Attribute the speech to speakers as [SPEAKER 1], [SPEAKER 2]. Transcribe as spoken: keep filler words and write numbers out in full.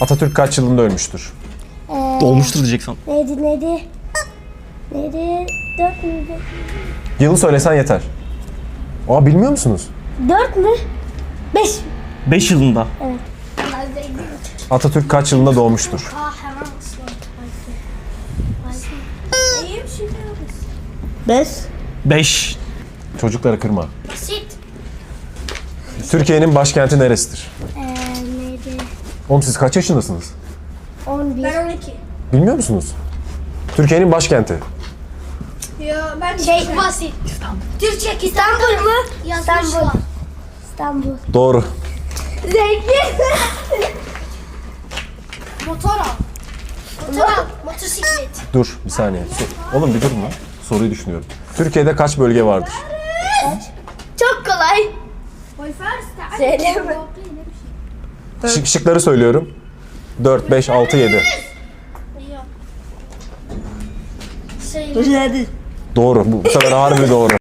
[SPEAKER 1] Atatürk kaç yılında ölmüştür?
[SPEAKER 2] Ee,
[SPEAKER 3] Dolmuştur diyeceksin.
[SPEAKER 2] Neydi neydi? Neydi? Dört müydü?
[SPEAKER 1] Yılı söylesen yeter. Aa, bilmiyor musunuz?
[SPEAKER 2] Dört mü? Beş.
[SPEAKER 3] beş yılında.
[SPEAKER 1] Atatürk kaç yılında doğmuştur?
[SPEAKER 2] Beş.
[SPEAKER 3] beş.
[SPEAKER 1] Çocukları kırma.
[SPEAKER 2] Basit.
[SPEAKER 1] Türkiye'nin başkenti neresidir?
[SPEAKER 2] Ee, neydi?
[SPEAKER 1] Oğlum siz kaç yaşındasınız?
[SPEAKER 2] On bir.
[SPEAKER 4] Ben on iki.
[SPEAKER 1] Bilmiyor musunuz? Türkiye'nin başkenti.
[SPEAKER 4] Ya ben
[SPEAKER 2] Şey basit.
[SPEAKER 4] Türkçe
[SPEAKER 2] İstanbul mu?
[SPEAKER 4] yazmışlar.
[SPEAKER 2] İstanbul. İstanbul.
[SPEAKER 1] Doğru.
[SPEAKER 2] Zengin.
[SPEAKER 4] Motor al. Motor al. Motosiklet.
[SPEAKER 1] Dur bir saniye. So- Oğlum bir durma. Soruyu düşünüyorum. Türkiye'de kaç bölge vardır?
[SPEAKER 2] Çok kolay. Söyleme.
[SPEAKER 1] Şık- şıkları söylüyorum. dört, beş, altı, yedi.
[SPEAKER 4] Şey,
[SPEAKER 2] Hadi.
[SPEAKER 1] Doğru. Bu, bu sefer harbi doğru.